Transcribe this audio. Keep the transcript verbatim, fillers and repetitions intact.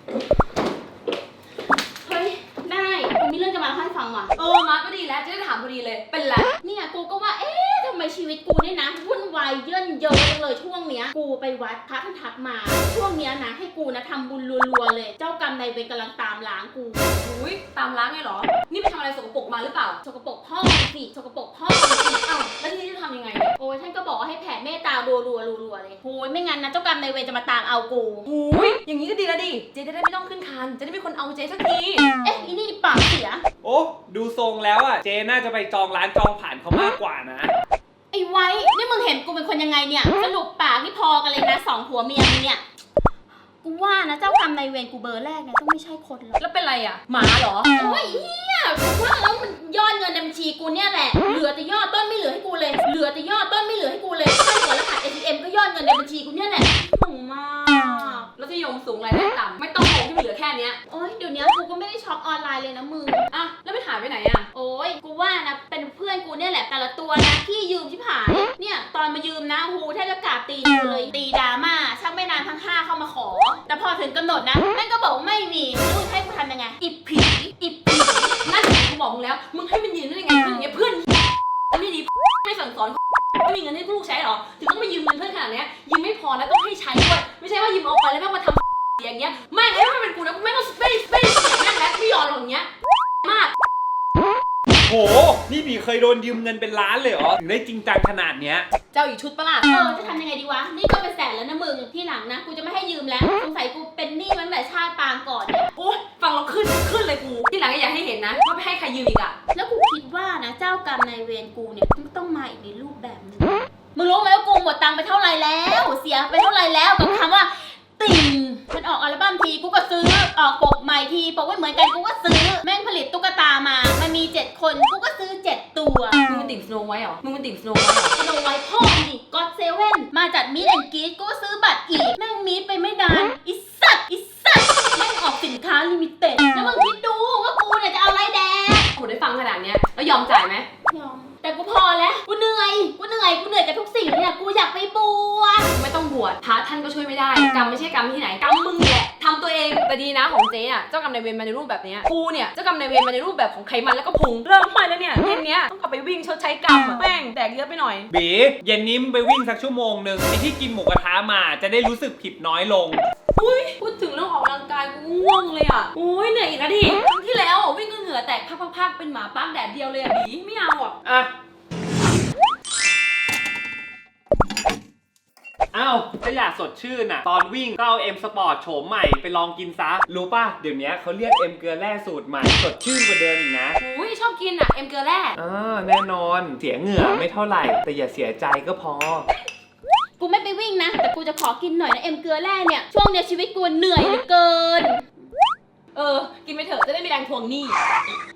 เฮ้ยได้กูมีเรื่องจะมาเล่าให้ฟังว่ะเออมาก็ดีแล้วจะได้ถามพอดีเลยเป็นไรเนี่ยกูก็ว่าเอ๊ะทำไมชีวิตกูเนี่ยนะวุ่นวายเยินเยอะจังเลยช่วงเนี้ยกูไปวัดพระท่านทักมาช่วงเนี้ยนะให้กูนะทำบุญรัวๆเลยเจ้ากรรมนายเวรกำลังตามล้างกูอุ้ยตามล้างไงหรอนี่ไปทำอะไรสกปรกมาหรือเปล่าสกปรกพ่อสิสกปรกพ่อสิอ้าวแล้วทีนี้จะทำยังไงโอ้ยท่านก็บอกให้แผ่เมตตารัวๆรัวๆเลยโอ้ยไม่งั้นนะเจ้ากรรมนายเวรจะมาตามเอากูอุ้ยอย่างนี้ก็ดีแล้วดิเจ๊จะได้ไม่ต้องขึ้นคานจะได้มีคนเอาเจ๊สักทีเอ๊ะอีนี่ปากเสียโอ้ดูทรงแล้วอ่ะเจน่าจะไปจองร้านจองผ่านเขามากกว่านะไอ้ไว้นี่มึงเห็นกูเป็นคนยังไงเนี่ยสรุปปากนี่พอกันเลยนะสองผัวเมียมึงเนี่ยกูว่านะเจ้ากรรมนายเวรกูเบอร์แรกเนี่ยต้องไม่ใช่คนหรอกแล้วเป็นไรอ่ะหมาเหรอโอ้ยเฮียกูว่าแล้วมันยอดเงินในบัญชีกูเนี่ยแหละเหลือแต่ยอดต้นไม่เหลือให้กูเลยเหลือแต่ยอดต้นไม่เหลือให้กูเลยใช่หัวรหัส เอ ที เอ็ม ก็ยอดเงินในบัญชีกูเนี่ยแหละสูงมากแล้วที่ยมสูงรายได้ต่ำไม่ต้องโกงที่มันเหลือแค่เนี้ยโอ้ยเดี๋ยวนี้กูก็ไม่ได้ช็อปออนไลน์เลยนะมึงอ่ะแล้วไปหายไปไหนอ่ะโอ้ยกูว่านะเป็นเพื่อนกูเนี่ยแหละแต่ละตัวนะที่ยืมที่ผายเนี่ยตอนมายืมนะหูแทบจะกราบตีนกูเลยตีดราม่าช่างไม่นานทั้งห้าเข้ามาขอแต่พอถึงกำหนดนะแม่งก็บอกไม่มีรู้ให้กูทำยังไงอิบผีอิบผีนั่นแหละกูบอกมึงแล้วมึงให้มันยืมได้ยังไงเพื่อนอย่างเงี้ยเพื่อนไม่ดีไม่สั่งสอนไม่มีเงินให้ลูกใช้หรอถึงต้องมายืมเงินเพื่อนขนาดนี้ยืมไม่พอนะต้องให้ใช้ด้วยไม่ใช่ว่ายืมเอาไปแล้วแม่งมาทำอย่างเงี้ยไม่ให้มันเป็นกูนะกูไม่ต้องไม่ไม่เสียแม่งแล้วไม่ยอมหรอกอย่างเงี้ยมากโหนี่บีเคยโดนยืมเงินเป็นล้านเลยเหรอถึงได้จริงจังขนาดเนี้ยเจ้าอีกชุดปะล่ะเออจะทำยังไงดีวะนี่ก็เป็นแสนแล้วนะมึงที่หลังนะกูจะไม่ให้ยืมแล้วสงสัยกูเป็นหนี้ตั้งแต่ชาติปางก่อนเนี่ยโอ๊ยฟังเราขึ้นขึ้นเลยกูที่หลังก็อย่าให้เห็นนะว่าไม่ให้ใครยืมอีกอะแล้วกูคิดว่านะเจ้ากรรมนายเวรกูเนี่ยต้องมาอีกในรูปแบบนึงมึงรู้ไหมว่ากูหมดตังค์ไปเท่าไรแล้วเสียไปเท่าไรแล้วกับคำว่าติ่งมันออกอัลบั้มทีกูก็ซื้อออกปกใหม่ทีปกไม่เหมือนกันกูก็ซื้อแม่งผลิตตุ๊กตามามันมีเจ็ดคนกูก็ซื้อเจ็ดตัวมึงเป็นติ่งสโนว์ไว้เหรอมึงเป็นติ่งสโนว์ไว้เหรอสโนว์ไว้พ่อดิก็อดเซเว่นมาจัดมีดแอนด์กรีดกูก็ซื้อบัตรอีกแม่งมีดไปไม่นานอิสัตอิสัตแม่งออกสินค้าลิมิเต็ดแล้วมึงคิดดูว่ากูเนี่ยจะเอาอะไรแดงกูได้ฟังขนาดเนี้ยแล้วยอมจ่ายไหมยอมแต่กูพอแล้วกูเหนื่อยกูเหนื่อยกูเหนื่อยกับทุกสิ่งเนี่ยกูอยากไปบวชไม่ต้องบวชพระท่านก็ช่วยไม่ได้กรรมไม่ใช่กรรมที่ไหนกรรมมึงแหละทำตัวเองแต่ดีนะของเจ๊อ่ะเจ้ากรรมนายเวรมาในรูปแบบนี้กูเนี่ยเจ้ากรรมนายเวรมาในรูปแบบของไขมันแล้วก็พุงเริ่มไปแล้วเนี่ยเย็นเนี้ยต้องกลับไปวิ่งชดใช้กรรมแม่งแดกเยอะไปหน่อยบีเย็นนี้มึงไปวิ่งสักชั่วโมงหนึ่งไอที่กินหมูกระทะมาจะได้รู้สึกผิดน้อยลงอุ้ยพูดถึงเรื่องออกกำลังกายกูง่วงเลยอ่ะโอ้ยเหนื่อยอีกนะดิครั้งที่แล้ววิ่งก็เหงื่อแตกพักๆเป็นหมาปั้งแดดเดียวเลยอ่ะบีไม่เอาอ่ะอ่ะอ้าวถ้าอยากสดชื่นอ่ะตอนวิ่งก็เอาเอ็มสปอร์ตโฉมใหม่ไปลองกินซะรู้ป่ะเดี๋ยวนี้เขาเรียกเอ็มเกลือแร่สูตรใหม่สดชื่นกว่าเดิมอีกนะอุ้ยชอบกินอ่ะเอ็มเกลือแร่อ่าแน่นอนเสียเหงื่อไม่เท่าไหร่แต่อย่าเสียใจก็พอกูไม่ไปวิ่งนะแต่กูจะขอกินหน่อยนะเอ็มเกลือแร่เนี่ยช่วงเนี้ยชีวิตกูเหนื่อยเหลือเกินเออกินไปเถอะจะได้มีแรงทวงหนี้